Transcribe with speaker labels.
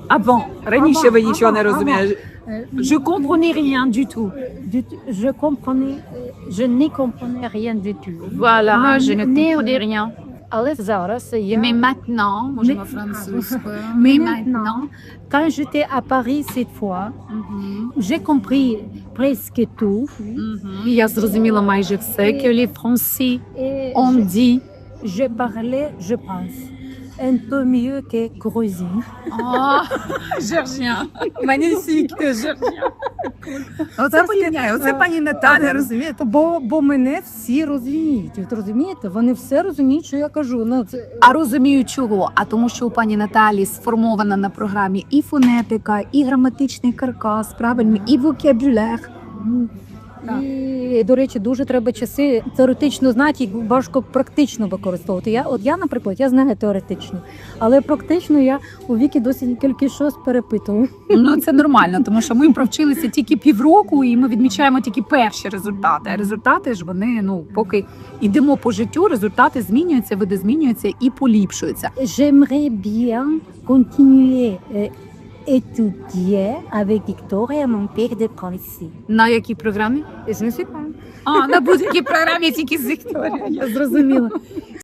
Speaker 1: А bon, раніше ви нічого не
Speaker 2: avant.
Speaker 1: розуміли. Je comprenais rien du tout.
Speaker 2: Je n'y comprenais rien du tout.
Speaker 1: Voilà, je ne
Speaker 2: Не-
Speaker 1: comprenais rien.
Speaker 2: Але зараз я...
Speaker 1: Mais maintenant, можемо французькою. Mais maintenant.
Speaker 2: Quand j'étais à Paris cette fois, j'ai compris presque tout.
Speaker 1: Я зрозуміла майже все. Que les Français
Speaker 2: Et
Speaker 1: ont dit.
Speaker 2: je parlais, je pense, un peu mieux que Grosy.
Speaker 1: О, Жоржія. Magnifique, Жоржія. Оце порівняю, оце пані Наталя, розумієте?
Speaker 2: Бо мене всі розуміють. От розумієте? Вони все розуміють, що я кажу. Ну, це...
Speaker 1: А розумію чого? А тому, що у пані Наталі сформована на програмі і фонетика, і граматичний каркас, правильно, і вокабуляр.
Speaker 2: І, до речі, дуже треба часи теоретично знати і важко практично використовувати. Я, наприклад, я знаю теоретично, але практично я у віки досить кілька щось перепитую.
Speaker 1: Ну, це нормально, тому що ми провчилися тільки півроку, і ми відмічаємо тільки перші результати. А результати ж вони, поки йдемо по життю, результати змінюються, види змінюються і поліпшуються.
Speaker 2: J'aimerais bien continuer étudier avec Victoria, mon père de Prissy.
Speaker 1: На якій програмі?
Speaker 2: Je ne sais pas.
Speaker 1: А, на будь-якій програмі тільки з Вікторією.
Speaker 2: Я зрозуміла.